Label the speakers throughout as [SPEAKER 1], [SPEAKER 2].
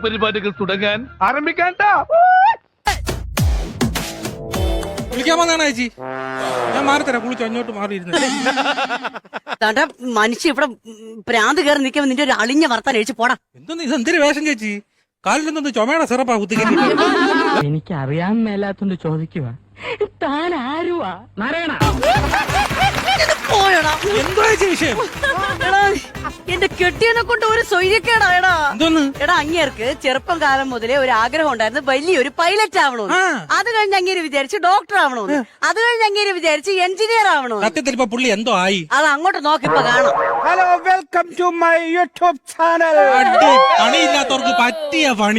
[SPEAKER 1] കലാപരിപാടികൾ തുടങ്ങാൻ ആരംഭിക്കാൻ.
[SPEAKER 2] വിളിക്കാൻ വന്നാണ് ചേച്ചി. ഞാൻ മാറിത്തരാം, കുളിച്ചു അങ്ങോട്ട് മാറിയിരുന്നു.
[SPEAKER 3] തന്റെ മനുഷ്യ ഇവിടെ പ്രാന്ത് കയറി നിൽക്കുമ്പോ നിന്റെ ഒരു അളിഞ്ഞ വർത്താൻ എഴിച്ചു പോടാ.
[SPEAKER 2] എന്തോന്ന് ഇത്, എന്തൊരു വേഷം ചേച്ചി? കാലിലെന്തോന്ന് ചുമയുടെ സിറപ്പാ കുത്തിക്കരി.
[SPEAKER 4] എനിക്ക് അറിയാൻ മേലാത്തോണ്ട് ചോദിക്കുക, താൻ ആരുവാ? നാരായണ
[SPEAKER 3] പോയടാ.
[SPEAKER 2] എന്തോ ചേച്ചി വിഷയം?
[SPEAKER 3] എടാ, എന്റെ കെട്ടിയനെ കൊണ്ട് ഒരു സ്വൈര്യക്കേടാ. എടാ
[SPEAKER 2] എന്തോന്ന്?
[SPEAKER 3] എടാ, അങ്ങേർക്ക് ചെറുപ്പം കാലം മുതലേ ഒരു ആഗ്രഹം ഉണ്ടായിരുന്നു വലിയൊരു പൈലറ്റ് ആവണമെന്ന്. അത് കഴിഞ്ഞ് അങ്ങേര് വിചാരിച്ച് ഡോക്ടർ ആവണമെന്ന്. അത് കഴിഞ്ഞ് അങ്ങേര് വിചാരിച്ച് എഞ്ചിനീയർ ആവണമെന്ന്.
[SPEAKER 2] സത്യത്തിൽ ഇപ്പൊ പുള്ളി എന്തോ ആയി.
[SPEAKER 3] അത് അങ്ങോട്ട് നോക്കിപ്പോ കാണാം.
[SPEAKER 5] Hello, welcome to my YouTube channel.
[SPEAKER 2] പണിയില്ലാത്തവർക്ക് പറ്റിയ പണി.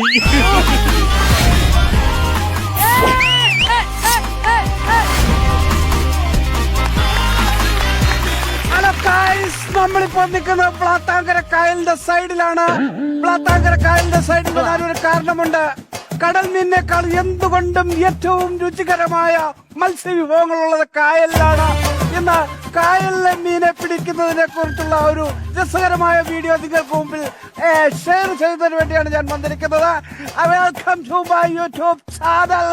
[SPEAKER 5] ഹലോ ഗൈസ്, നമ്മളിപ്പോ നിൽക്കുന്നത് പ്ലാത്താങ്കര കായലിന്റെ സൈഡിലാണ്. പ്ലാത്താങ്കര കായലിന്റെ സൈഡിൽ വരാനൊരു കാരണമുണ്ട്. കടൽ മീനിനേക്കാൾ എന്തുകൊണ്ടും ഏറ്റവും രുചികരമായ മത്സ്യവിഭവങ്ങളുള്ളത് കായലിലാണ്. ഇന്ന് കായലിലെ മീനെ പിടിക്കുന്നതിനെ കുറിച്ചുള്ള ഒരു രസകരമായ വീഡിയോ നിങ്ങൾക്ക് മുമ്പിൽ ഷെയർ ചെയ്യുന്നതിന് വേണ്ടിയാണ് ഞാൻ വന്നിരിക്കുന്നത്. Welcome to my YouTube channel.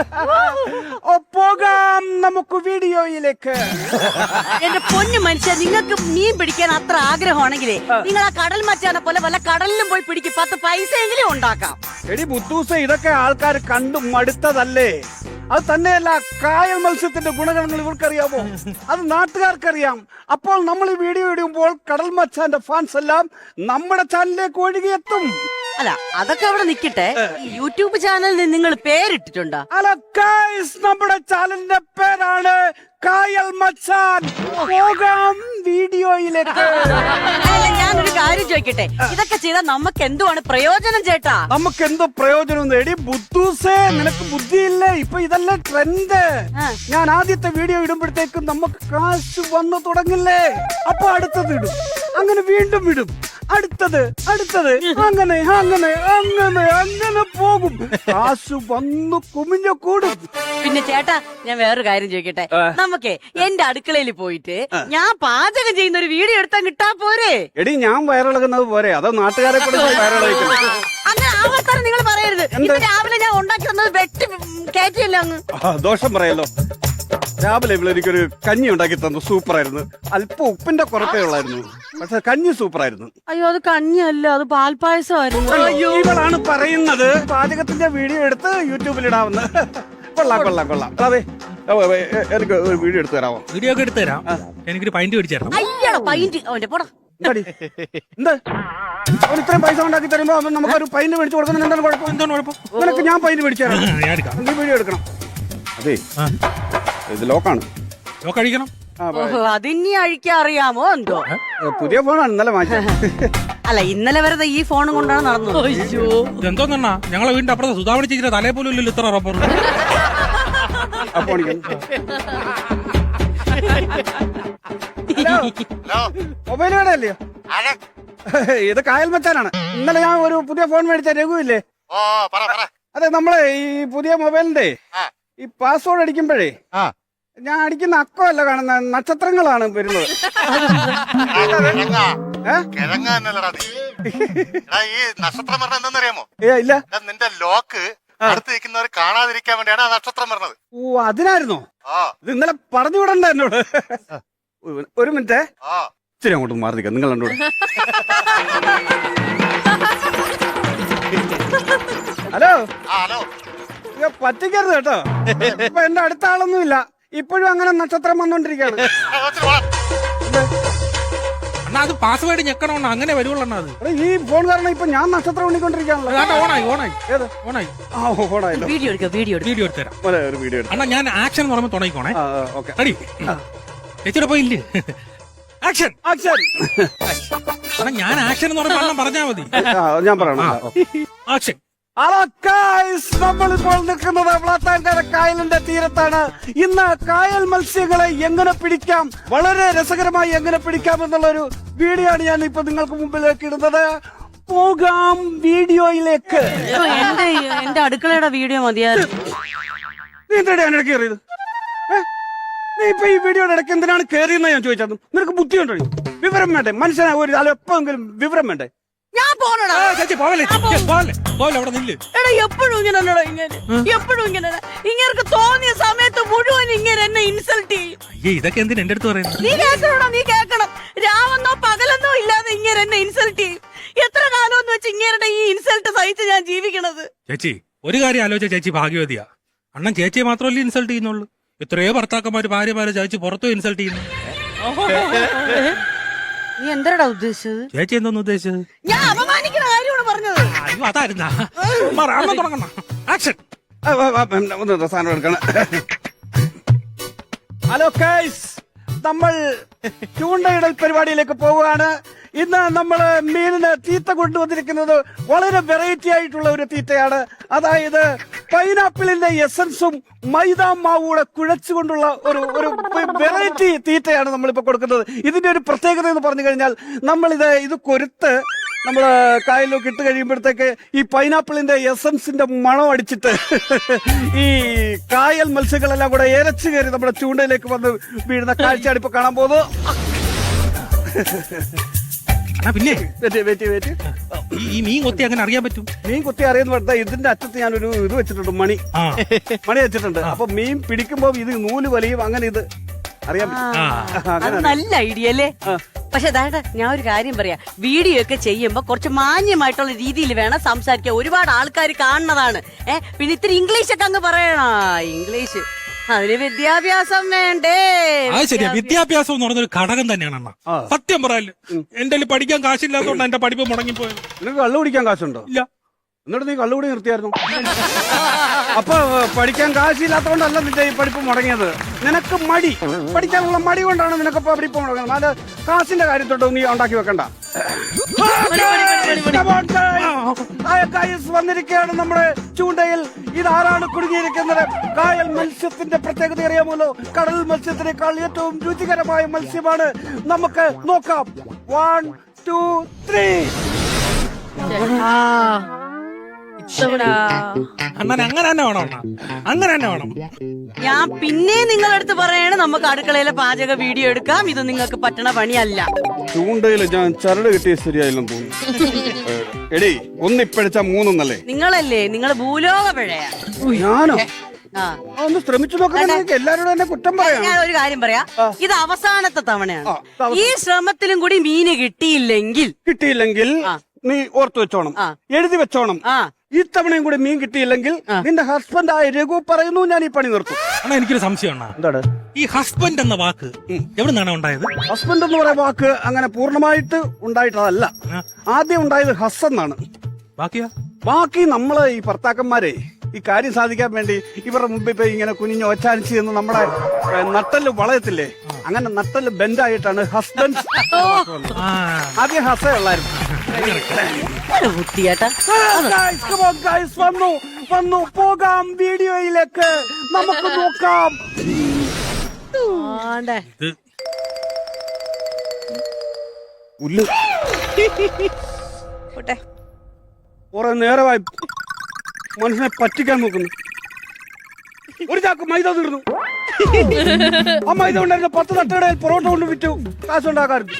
[SPEAKER 5] പോകാം നമുക്ക് വീഡിയോയിലേക്ക്.
[SPEAKER 3] എന്റെ പൊന്നു മനുഷ്യ, നിങ്ങൾക്ക് മീൻ പിടിക്കാൻ അത്ര ആഗ്രഹമാണെങ്കിലേ നിങ്ങൾ ആ കടൽ മച്ചാനെ പോലെ വല്ല കടലിലും പോയി പിടിക്കും. 10 പൈസയെങ്കിലും ഉണ്ടാക്കാം.
[SPEAKER 5] എടി ബുദ്ധൂസ, ഇതൊക്കെ ആൾക്കാർ കണ്ടു മടുത്തതല്ലേ? അത് തന്നെയല്ല, കായൽ മത്സ്യത്തിന്റെ ഗുണഗണങ്ങൾ ഇവർക്കറിയാമോ? അത് നാട്ടുകാർക്കറിയാം. അപ്പോൾ നമ്മൾ ഈ വീഡിയോ ഇടുമ്പോൾ കടൽ മച്ചാന്റെ ഫാൻസ് എല്ലാം നമ്മുടെ ചാനലിലേക്ക് ഒഴുകിയെത്തും.
[SPEAKER 3] അല്ല, അതൊക്കെ അവിടെ നിക്കട്ടെ. യൂട്യൂബ് ചാനലിന് നിങ്ങൾ പേരിട്ടിട്ടുണ്ടോ?
[SPEAKER 5] അല്ല ഗൈസ്, നമ്മുടെ ചാനലിന്റെ പേരാണ് കായൽ മച്ചാൻ. പോകാം വീഡിയോയിലേക്ക്.
[SPEAKER 3] അല്ല, ഞാനൊരു കാര്യം ചോദിക്കട്ടെ, ഇതൊക്കെ ചെയ്താൽ നമുക്ക് എന്തുവാണ് പ്രയോജനം ചേട്ടാ?
[SPEAKER 5] നമുക്ക് എന്തോ പ്രയോജനം? എടി ബുദ്ധൂസേ, നിനക്ക് ബുദ്ധിയില്ലേ? ഇപ്പൊ ഇതല്ലേ ട്രെൻഡ്. ഞാൻ ആദ്യത്തെ വീഡിയോ ഇടുമ്പോഴത്തേക്കും നമുക്ക് കാശ് വന്നു തുടങ്ങില്ലേ? അപ്പൊ അടുത്തത് ഇടും, അങ്ങനെ വീണ്ടും ഇടും, അടുത്തത് അങ്ങനെ അങ്ങനെ അങ്ങനെ അങ്ങനെ പോകും. കാശ് വന്നു കുമിഞ്ഞു കൂടും.
[SPEAKER 3] പിന്നെ ചേട്ടാ, ഞാൻ വേറൊരു കാര്യം ചോദിക്കട്ടെ, നമുക്ക് എന്റെ അടുക്കളയിൽ പോയിട്ട് ഞാൻ പാചകം ചെയ്യുന്ന ഒരു വീഡിയോ എടുത്താൽ കിട്ടാ പോരെ?
[SPEAKER 5] എടി, ഞാൻ വയറിളകുന്നത് പോരെ? അതോ നാട്ടുകാരെ കൂടെ വയറിളക്കുന്നത്?
[SPEAKER 3] അങ്ങനെ ആവർത്തനം നിങ്ങൾ പറയരുത്. ഇന്ന് രാവിലെ ഞാൻ ഉണ്ടാക്കി തന്നത് വെട്ടി കയറ്റിയല്ല അങ്ങ്.
[SPEAKER 5] ദോഷം പറയല്ലോ. രാവിലെ ഇവിടെ എനിക്കൊരു കഞ്ഞി ഉണ്ടാക്കി തന്നു, സൂപ്പറായിരുന്നു. അല്പം ഉപ്പിന്റെ കുറത്തേ ഉള്ളായിരുന്നു, പക്ഷെ കഞ്ഞി സൂപ്പറായിരുന്നു.
[SPEAKER 3] അയ്യോ, അത് കഞ്ഞിയല്ല, അത് പാൽപ്പായസമായിരുന്നു.
[SPEAKER 5] ഇവളാണ് പറയുന്നത് പാചകത്തിന്റെ വീഡിയോ എടുത്ത് യൂട്യൂബിൽ ഇടാവുന്ന. കൊള്ളാം കൊള്ളാം കൊള്ളാം. അതെ, എനിക്ക് ഒരു വീഡിയോ എടുത്തു തരാമോ?
[SPEAKER 2] വീഡിയോ ഒക്കെ എടുത്തു തരാം. എനിക്കൊരു പൈന്റ് പിടിച്ചു തരണം.
[SPEAKER 3] അയ്യോ, പൈന്റ് അവന്റെ പോടാ.
[SPEAKER 5] എന്ത് അവൻ ഇത്രയും പൈസ ഉണ്ടാക്കി തരുമ്പോ നമുക്കൊരു പൈന്റ് മേടിച്ചു കൊടുക്കണം. എന്താണ് കുഴപ്പം?
[SPEAKER 2] എന്താണ് കുഴപ്പം?
[SPEAKER 5] നിനക്ക് ഞാൻ പൈന്റ് മേടിച്ചു തരാം.
[SPEAKER 2] ഞാൻ എടുക്കാം.
[SPEAKER 5] നീ വീഡിയോ എടുക്കണം. അതെ, ഇത് ലോക്കാണ്.
[SPEAKER 2] ലോക്ക് അഴിക്കണം.
[SPEAKER 3] അതിനി അഴിക്കാൻ അറിയാമോ എന്തോ?
[SPEAKER 5] പുതിയ ഫോണാണ്, ഇന്നലെ മാറ്റി.
[SPEAKER 3] അല്ല, ഇന്നലെ വരെ ഈ ഫോണും കൊണ്ടാണ് നടന്നത്. അയ്യോ,
[SPEAKER 2] ഇതെന്തോന്നാ? ഞങ്ങളെ വീടിന്റെ അപ്പുറത്തെ സുധാമണി ചേച്ചിയുടെ തലേ പോലും ഇല്ലല്ലോ ഇത്ര റബ്ബർ.
[SPEAKER 5] മൊബൈൽ കടയല്ലയോ? ഇത് കായൽ മച്ചാനാണ്. ഇന്നലെ ഞാൻ ഒരു പുതിയ ഫോൺ മേടിച്ച രഘുവില്ലേ? അതെ, നമ്മളെ ഈ പുതിയ മൊബൈലിന്റെ ഈ പാസ്വേഡ് അടിക്കുമ്പോഴേ ഞാൻ അടിക്കുന്ന അക്കമല്ല കാണുന്ന, നക്ഷത്രങ്ങളാണ് വരുന്നത്.
[SPEAKER 6] ഈ നക്ഷത്രം പറഞ്ഞ എന്താണെന്നറിയാമോ?
[SPEAKER 5] ഇല്ല,
[SPEAKER 6] നിന്റെ ലോക്ക് അടുത്ത് നിൽക്കുന്നവർ കാണാതിരിക്കാൻ വേണ്ടിയാണ് ആ നക്ഷത്രം പറഞ്ഞത്.
[SPEAKER 5] ഓ, അതിനായിരുന്നോ? ഇത് ഇന്നലെ പറഞ്ഞു വിടണ്ട എന്നോട്. ഒരു മിനിറ്റ്, ഇച്ചിരി അങ്ങോട്ട് മാറി നിൽക്കാം. നിങ്ങൾ എന്നോട് ഹലോ
[SPEAKER 6] ഹലോ,
[SPEAKER 5] പറ്റിക്കരുത് കേട്ടോ. ഇപ്പൊ എന്റെ അടുത്ത ആളൊന്നും ഇല്ല, ഇപ്പോഴും അങ്ങനെ നക്ഷത്രം വന്നോണ്ടിരിക്കാണ്.
[SPEAKER 2] അണ്ണാ, അത് പാസ്വേഡ് ഞെക്കണമെന്ന് അങ്ങനെ വരുവുള്ളൂ. അത്
[SPEAKER 5] ഈ ഫോൺ കാരണം ഇപ്പൊ ഞാൻ നക്ഷത്രം എണ്ണിക്കൊണ്ടിരിക്കാണല്ലോ. ഓണായല്ലോ.
[SPEAKER 3] വീഡിയോ എടുക്കുക, വീഡിയോ
[SPEAKER 2] വീഡിയോ എടുത്തു തരാം.
[SPEAKER 5] ഒരു വീഡിയോ
[SPEAKER 2] അണ്ണാ, ഞാൻ ആക്ഷൻ എന്ന് പറയുമ്പോൾ തുടങ്ങിക്കോണേ. റെഡി? ചേച്ചിയുടെ പോയില്ലേ? Action
[SPEAKER 5] action.
[SPEAKER 2] അണ്ണാ, ഞാൻ ആക്ഷൻ എന്ന് പറയുമ്പോൾ അണ്ണൻ പറഞ്ഞാൽ മതി.
[SPEAKER 5] ഞാൻ പറയണം.
[SPEAKER 2] ആക്ഷൻ.
[SPEAKER 5] ഹലോ ഗൈസ്, നമ്മളിപ്പോൾ നിൽക്കുന്നത് പ്ലാത്താങ്കര കായലിന്റെ തീരത്താണ്. ഇന്ന് കായൽ മത്സ്യങ്ങളെ എങ്ങനെ പിടിക്കാം, വളരെ രസകരമായി എങ്ങനെ പിടിക്കാം എന്നുള്ളൊരു വീഡിയോ ആണ് ഞാൻ ഇപ്പൊ നിങ്ങൾക്ക് മുമ്പിലേക്ക് ഇടുന്നത്. പോകാം വീഡിയോയിലേക്ക്.
[SPEAKER 3] എന്റെ അടുക്കളയുടെ വീഡിയോ മതിയായിരുന്നു.
[SPEAKER 5] നീ എന്താണ് ഇടയ്ക്ക് കയറിയത്? നീ ഇപ്പൊ ഈ വീഡിയോയുടെ ഇടയ്ക്ക് എന്തിനാണ് കയറിയെന്ന് ഞാൻ ചോദിച്ചത്. നിനക്ക് ബുദ്ധിയുണ്ടോ? വിവരം വേണ്ടേ? മനുഷ്യനെ ഒരു എപ്പോഴെങ്കിലും വിവരം വേണ്ടേ?
[SPEAKER 3] ഞാൻ പോണടാ.
[SPEAKER 2] ചേച്ചി പോവല്ലേ പോവല്ലേ പോവല്ലേ അവിടെ നില്ല്.
[SPEAKER 3] എടാ എപ്പോഴും ഇങ്ങനെ എപ്പോഴും ഇങ്ങനെ ഇങ്ങനെ തോന്നിയ സമയത്ത് മുഴുവൻ ഇങ്ങനെ എന്നെ ഇൻസൾട്ട് ചെയ്യും.
[SPEAKER 2] അയ്യേ ഇതൊക്കെ എന്തിനാ എന്റെ അടുത്ത് പറയുന്നത്?
[SPEAKER 3] നീ കേൾക്കണോടാ, നീ കേൾക്കണം. രാവെന്നോ പകലെന്നോ ഇല്ലാതെ ഇങ്ങനെ എന്നെ ഇൻസൾട്ട് ചെയ്യും. എത്ര കാലം എന്ന് വെച്ച് ഇങ്ങനെ ഈ ഇൻസൾട്ട് സഹിച്ച് ഞാൻ ജീവിക്കണത്.
[SPEAKER 2] ചേച്ചി ഒരു കാര്യം ആലോചിച്ച ചേച്ചി ഭാഗ്യവതിയാ. അണ്ണൻ ചേച്ചിയെ മാത്രമല്ലേ ഇൻസൾട്ട് ചെയ്യുന്നുള്ളൂ. എത്രയോ ഭർത്താക്കന്മാര് ഭാര്യമാരെ ചേച്ചി പുറത്തും ഇൻസൾട്ട് ചെയ്യുന്നു.
[SPEAKER 3] നീ എന്താടാ ഉദ്ദേശിച്ചത്?
[SPEAKER 2] ചേച്ചി എന്തോന്ന് ഉദ്ദേശിച്ചത്?
[SPEAKER 3] ഞാൻ അപമാനിക്കുന്ന കാര്യമാണ് പറഞ്ഞത്.
[SPEAKER 2] അയ്യോ അതായിരുന്നാ. തുടങ്ങണം. ആക്ഷൻ.
[SPEAKER 5] ഒന്ന് സാധനം എടുക്കണം. ഹലോ ഗൈസ്, നമ്മൾ ചൂണ്ടയിടൽ പരിപാടിയിലേക്ക് പോവുകയാണ്. ഇന്ന് നമ്മള് മീനിന് തീറ്റ കൊണ്ടുവന്നിരിക്കുന്നത് വളരെ വെറൈറ്റി ആയിട്ടുള്ള ഒരു തീറ്റയാണ്. അതായത് പൈനാപ്പിളിന്റെ എസൻസും മൈദാ മാവൂടെ കുഴച്ചുകൊണ്ടുള്ള ഒരു വെറൈറ്റി തീറ്റയാണ് നമ്മളിപ്പോ കൊടുക്കുന്നത്. ഇതിന്റെ ഒരു പ്രത്യേകത എന്ന് പറഞ്ഞു കഴിഞ്ഞാൽ ഇത് കൊരുത്ത് നമ്മള് കായലിലൊക്കെ ഇട്ട് കഴിയുമ്പോഴത്തേക്ക് ഈ പൈനാപ്പിളിന്റെ എസൻസിന്റെ മണം അടിച്ചിട്ട് ഈ കായൽ മത്സ്യങ്ങളെല്ലാം കൂടെ ഇരച്ചു കയറി നമ്മുടെ ചൂണ്ടയിലേക്ക് വന്ന് വീഴുന്ന കാഴ്ചയാണ് ഇപ്പൊ കാണാൻ പോകുന്നത്.
[SPEAKER 2] പിന്നെ
[SPEAKER 5] ഈ
[SPEAKER 2] മീൻ കൊത്തി അങ്ങനെ അറിയാൻ പറ്റും?
[SPEAKER 5] മീൻ കൊത്തി അറിയുന്ന പറഞ്ഞാൽ ഇതിന്റെ അറ്റത്ത് ഞാനൊരു ഇത് വെച്ചിട്ടുണ്ട്, മണി വെച്ചിട്ടുണ്ട്. അപ്പൊ മീൻ പിടിക്കുമ്പോ ഇത് നൂല് വലിയും, അങ്ങനെ ഇത് അറിയാൻ പറ്റും.
[SPEAKER 3] നല്ല ഐഡിയ അല്ലേ? പക്ഷെ അതായത് ഞാൻ ഒരു കാര്യം പറയാം, വീഡിയോ ഒക്കെ ചെയ്യുമ്പോ കുറച്ച് മാന്യമായിട്ടുള്ള രീതിയിൽ വേണം സംസാരിക്കാൻ. ഒരുപാട് ആൾക്കാർ കാണുന്നതാണ്. പിന്നെ ഇത്തിരി ഇംഗ്ലീഷ് ഒക്കെ അങ്ങ് പറയണ. ഇംഗ്ലീഷ് അതിന് വിദ്യാഭ്യാസം വേണ്ടേ?
[SPEAKER 2] ശരിയാ, വിദ്യാഭ്യാസം എന്ന് പറഞ്ഞൊരു ഘടകം തന്നെയാണ് അണ്ണ. സത്യം പറയല്ലോ, എന്റെ പഠിക്കാൻ കാശില്ലാത്തതുകൊണ്ട് എന്റെ പഠിപ്പ് മുടങ്ങിപ്പോയത്.
[SPEAKER 5] നിനക്ക് കള്ളു കുടിക്കാൻ കാശുണ്ടോ?
[SPEAKER 2] ഇല്ല.
[SPEAKER 5] എന്നിട്ട് നീ കള്ളുകൂടി നിർത്തിയായിരുന്നു. അപ്പൊ പഠിക്കാൻ കാശില്ലാത്തതുകൊണ്ടല്ല നിന്റെ ഈ പഠിപ്പ് മുടങ്ങിയത്. നിനക്ക് മടി, പഠിക്കാനുള്ള മടി കൊണ്ടാണ് നിനക്ക് പഠിപ്പ് മുടങ്ങുന്നത്. അത് കാശിന്റെ കാര്യത്തോട്ട് നീ ഉണ്ടാക്കി വെക്കണ്ട. വന്നിരിക്കുകയാണ് നമ്മുടെ ചൂണ്ടയിൽ. ഇതാരാണ് കുടുങ്ങിയിരിക്കുന്നത്? കായൽ മത്സ്യത്തിന്റെ പ്രത്യേകത അറിയാമല്ലോ. കടൽ മത്സ്യത്തിനേക്കാൾ ഏറ്റവും രുചികരമായ മത്സ്യമാണ്. നമുക്ക് നോക്കാം. 1 2 3.
[SPEAKER 2] അണ്ണൻ അങ്ങനെ തന്നെ വേണം. അങ്ങനെ തന്നെ വേണം.
[SPEAKER 3] ഞാൻ പിന്നെ നിങ്ങളടുത്ത് പറയാണ്, നമുക്ക് അടുക്കളയിലെ പാചക വീഡിയോ എടുക്കാം. ഇത് നിങ്ങൾക്ക് പറ്റണ പണിയല്ല.
[SPEAKER 5] ചൂണ്ടയില് ഞാൻ ചരട് കിട്ടിയ ശരിയായില്ലെന്ന് തോന്നുന്നു. എടീ, ഒന്നിപ്പഴിച്ച മൂന്നല്ലേ?
[SPEAKER 3] നിങ്ങളല്ലേ, നിങ്ങൾ ഭൂലോക പിഴയാ.
[SPEAKER 5] ഞാനോ? ഒന്ന് ശ്രമിച്ചു നോക്കാൻ. എല്ലാരോടും എന്നെ കുറ്റം പറയാം.
[SPEAKER 3] ഞാൻ ഒരു കാര്യം പറയാം, ഇത് അവസാനത്തെ തവണയാണ്. ഈ ശ്രമത്തിലും കൂടി മീന് കിട്ടിയില്ലെങ്കിൽ നീ ഓർത്തു വെച്ചോണം, എഴുതി വെച്ചോണം. ഇത്തവണയും കൂടി മീൻ കിട്ടിയില്ലെങ്കിൽ നിന്റെ ഹസ്ബൻഡ് ആയ രഘു പറയുന്നു ഞാൻ ഈ പണി നിർത്തും.
[SPEAKER 2] അണ്ണാ എനിക്കൊരു സംശയം. എന്താണ് ഈ ഹസ്ബൻഡ് എന്ന വാക്ക് എവിടെ നിന്നാണ് ഉണ്ടായത്?
[SPEAKER 5] ഹസ്ബൻഡ് എന്ന് പറയുന്ന വാക്ക് അങ്ങനെ പൂർണ്ണമായിട്ട് ഉണ്ടായിട്ടതല്ല. ആദ്യം ഉണ്ടായത് ഹസ് എന്നാണ്. ബാക്കി നമ്മള് ഈ ഭർത്താക്കന്മാരെ ഈ കാര്യം സാധിക്കാൻ വേണ്ടി ഇവരുടെ മുമ്പിൽ ഇപ്പൊ ഇങ്ങനെ കുനിഞ്ഞ് ഒച്ചാനിച്ച് എന്ന് നമ്മുടെ നട്ടല് വളയത്തില്ലേ, അങ്ങനെ നട്ടല് ബെൻഡായിട്ടാണ് ഹസ്ബൻഡ്. ആദ്യം ഹസ ഉള്ളായിരുന്നു. വന്നു പോകാം വീഡിയോയിലേക്ക്. നമുക്ക് നോക്കാം. കുറെ നേരമായി മനുഷ്യനെ പറ്റിക്കാൻ നോക്കുന്നു. ഒരു ചാക്ക് മൈദ തീർന്നു. ആ മൈദ ഉണ്ടായിരുന്ന 10 തട്ടുകടയിൽ പൊറോട്ട കൊണ്ട് വിറ്റു കാശുണ്ടാക്കാറുണ്ട്.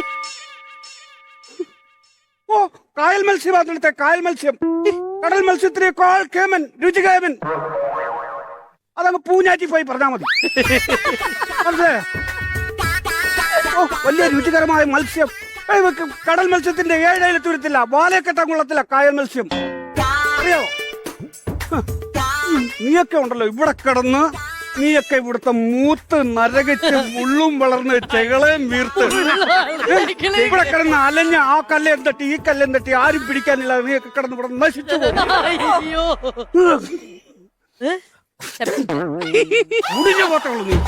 [SPEAKER 5] ഓ, കായൽ മത്സ്യം. കായൽ മത്സ്യം കടൽ മത്സ്യത്തിനേക്കാൾ കേമൻ, രുചികേമൻ. അതങ്ങ് പൂഞ്ഞാറ്റി പോയി പറഞ്ഞാ മതി. മനസ്സിലായോ? ഓ, വലിയ രുചികരമായ മത്സ്യം. കടൽ മത്സ്യത്തിന്റെ 7 അയലത്ത് വരത്തില്ല, വാലയെ കെട്ടാൻ കൊള്ളത്തില്ല കായൽ മത്സ്യം. അറിയോ? നീയൊക്കെ ഉണ്ടല്ലോ ഇവിടെ കിടന്ന്, നീയൊക്കെ ഇവിടുത്തെ മൂത്ത് നരകിച്ച് മുള്ളും വളർന്ന് ചെകളയും വീർത്ത് ഇവിടെ കിടന്ന് അലഞ്ഞ ആ കല്ലേം തട്ടി ഈ കല്ലേം തട്ടി ആരും പിടിക്കാനില്ല. നീയൊക്കെ കിടന്ന് ഇവിടെ നശിച്ചു മുടിഞ്ഞ പോട്ടുള്ളൂ നീ.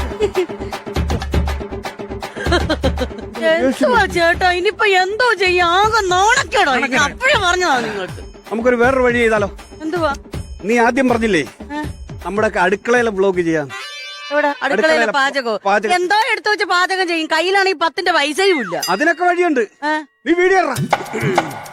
[SPEAKER 3] ചേട്ടാ ഇനിയിപ്പൊ എന്തോ ചെയ്യാ? ആകെ നാണക്കേടോ. അപ്പോഴും പറഞ്ഞതാ നിങ്ങൾക്ക്.
[SPEAKER 5] നമുക്കൊരു വേറൊരു വഴി ചെയ്താലോ?
[SPEAKER 3] എന്തുവാ?
[SPEAKER 5] നീ ആദ്യം പറഞ്ഞില്ലേ നമ്മുടെ അടുക്കളയിലെ വ്ലോഗ് ചെയ്യാം.
[SPEAKER 3] അടുക്കളയിലെ പാചകം എന്തോ എടുത്തു വെച്ച് പാചകം ചെയ്യും. കയ്യിലാണെങ്കിൽ 10ന്റെ പൈസയും ഇല്ല.
[SPEAKER 5] അതിനൊക്കെ വഴിയുണ്ട്. നീ വീഡിയോ